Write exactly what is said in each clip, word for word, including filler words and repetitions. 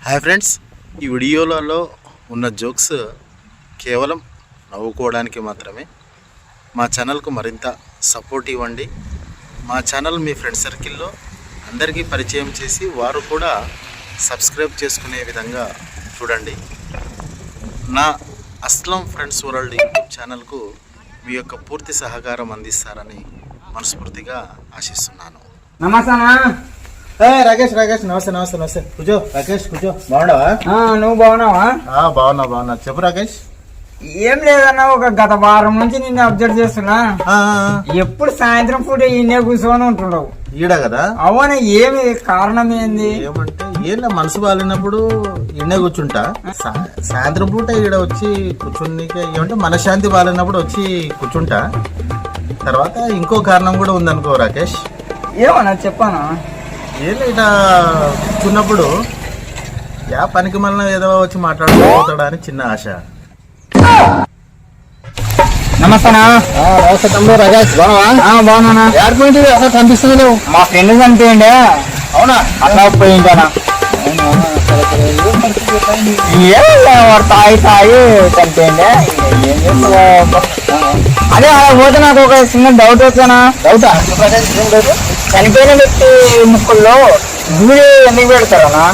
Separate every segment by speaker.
Speaker 1: Hi friends, ఈ వీడియోలలో ఉన్న జోక్స్ కేవలం నవ్వుకోవడానికి మాత్రమే. మా ఛానల్కు మరింత సపోర్ట్ ఇవ్వండి. మా ఛానల్ మీ ఫ్రెండ్ సర్కిల్లో అందరికీ పరిచయం చేసి వారు కూడా సబ్స్క్రైబ్ చేసుకునే విధంగా చూడండి. నా అస్లం ఫ్రెండ్స్ వరల్డ్ యూట్యూబ్ ఛానల్కు మీ యొక్క పూర్తి సహకారం అందిస్తారని మనస్ఫూర్తిగా ఆశిస్తున్నాను.
Speaker 2: నమస్తే రాకేష్ రాకేష్ నమస్తే నమస్తే నమస్తే కూర్చో రాకేష్ కూర్చో. బాగున్నావా?
Speaker 3: నువ్వు బాగున్నావా?
Speaker 2: బాగున్నా బాగున్నా చెప్పు రాకేష్.
Speaker 3: ఏం లేదన్నా, ఒక గత వారం నుంచి నిన్ను అబ్జర్వ్ చేస్తున్నా. ఎప్పుడు సాయంత్రం పూట ఈయనే కూర్చొని ఉంటున్నావు.
Speaker 2: ఈడ కదా?
Speaker 3: అవునా, ఏమి కారణం ఏంది?
Speaker 2: ఏమంటే ఏం మనసు బాగాలేనప్పుడు ఈయనే కూర్చుంటా. సాయంత్రం పూట ఈడ వచ్చి కూర్చుని ఏమంటే మనశ్శాంతి బాగాలేనప్పుడు వచ్చి కూర్చుంటా. తర్వాత ఇంకో కారణం కూడా ఉందనుకో రాకేష్.
Speaker 3: ఏమన్నా చెప్పానా?
Speaker 2: ఏం ఇట్లా కూర్చున్నప్పుడు యా పనికి మళ్ళీ ఏదో వచ్చి మాట్లాడుకోతాడా అని చిన్న ఆశ.
Speaker 3: నమస్తేనా?
Speaker 2: నమస్తే తమ్ముడు రాకేష్. బాగున్నావా?
Speaker 3: బాగున్నా.
Speaker 2: ఎక్కడికి అసలు కనిపిస్తుంది నువ్వు?
Speaker 3: మా ఫ్రెండ్ చనిపోయిండే.
Speaker 2: అవునా?
Speaker 3: అట్లా పోయింటానా? వాడు తాగి తాగి చనిపోయిండే. ఏం చేస్తావు? అదే అలా పోతే నాకు ఒక చిన్న డౌట్ వచ్చానా?
Speaker 2: డౌటా?
Speaker 3: చనిపోయిన వ్యక్తి ముక్కుల్లో దూరి ఎందుకు పెడతారనా?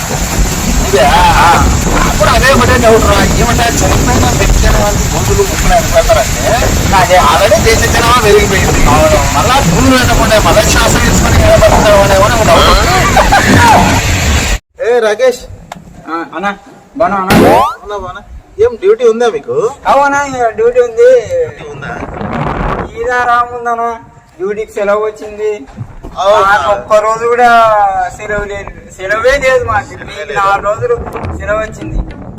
Speaker 2: అప్పుడు అదే ఒకటే డౌట్ రా. ఏమంటే చనిపోయిన వ్యక్తి అనే వాళ్ళకి గోధులు ముక్కులు ఎందుకు పెడతారంటే అదే ఆల్రెడీ దేశ జనాభా పెరిగిపోయింది. మళ్ళా భూములు పెట్టకుండా మళ్ళీ శ్వాస తీసుకొని ఏ రాకేష్
Speaker 3: అన్నా బానా?
Speaker 2: అవునా బానా? ఏం డ్యూటీ ఉందా మీకు?
Speaker 3: అవునా, డ్యూటీ ఉంది.
Speaker 2: ఉందా?
Speaker 3: ఈదా రాముందనా, డ్యూటీకి సెలవు వచ్చింది. ఒక్క రోజు కూడా సెలవు లేదు, సెలవే లేదు మాకు. నాలుగు రోజులు సెలవు వచ్చింది.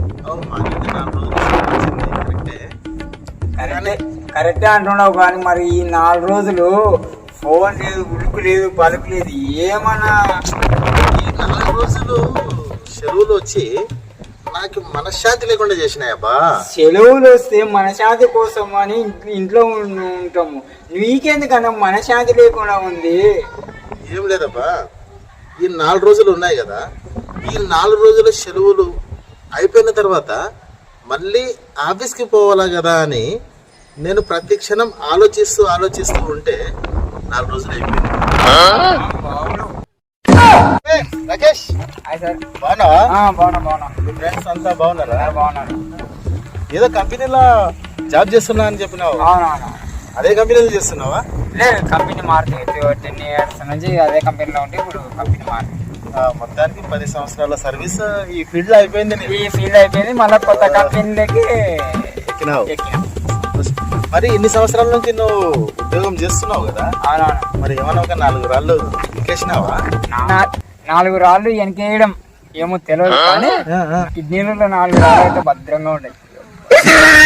Speaker 3: కరెక్టే కరెక్టే అంటున్నావు, కానీ మరి ఈ నాలుగు రోజులు ఫోన్ లేదు, ఉడుకు లేదు, పలుకు లేదు. ఏమన్నా
Speaker 2: ఈ నాలుగు రోజులు సెలవులు వచ్చి నాకు మనశ్శాంతి లేకుండా చేసినాయబ్బా.
Speaker 3: సెలవులు వస్తే మనశ్శాంతి కోసం అని ఇంట్లో ఉంటాము. నీకెందుకన్నా మనశ్శాంతి లేకుండా ఉంది?
Speaker 2: ఏం లేదబ్బా, ఈ నాలుగు రోజులు ఉన్నాయి కదా, ఈ నాలుగు రోజుల సెలవులు అయిపోయిన తర్వాత మళ్ళీ ఆఫీస్కి పోవాలా కదా అని నేను ప్రతి క్షణం ఆలోచిస్తూ ఆలోచిస్తూ ఉంటే నాలుగు రోజులు అయిపోయింది. రాకేష్ బాగున్నావా?
Speaker 3: బాగున్నా బాగున్నా.
Speaker 2: మీ ఫ్రెండ్స్ అంతా బాగున్నారా?
Speaker 3: బాగున్నాను.
Speaker 2: ఏదో కంపెనీలో జాబ్ చేస్తున్నా అని చెప్పినావు.
Speaker 3: అవునవునా?
Speaker 2: అదే కంపెనీలో చేస్తున్నావా?
Speaker 3: లేదు, కంపెనీ మారుతుంది. టెన్ ఇయర్స్ నుంచి అదే కంపెనీలో ఉంటే ఇప్పుడు కంపెనీ మారుతుంది.
Speaker 2: మొత్తానికి పది సంవత్సరాల సర్వీస్ ఈ ఫీల్డ్ లో అయిపోయింది.
Speaker 3: ఈ ఫీల్డ్ అయిపోయింది, మళ్ళీ కొత్త కంపెనీలకి
Speaker 2: ఎక్కినావు.
Speaker 3: ఎక్కినా.
Speaker 2: మరి ఇన్ని సంవత్సరాల నుంచి నువ్వు ఉద్యోగం చేస్తున్నావు కదా?
Speaker 3: అవునవును.
Speaker 2: మరి ఏమన్నా ఒక నాలుగు రాళ్ళు ఎక్కేసినావా?
Speaker 3: నాలుగు రాళ్ళు వెనకేయడం ఏమో తెలియదు, కానీ కిడ్నీలలో నాలుగు రాళ్ళు అయితే భద్రంగా ఉండేది.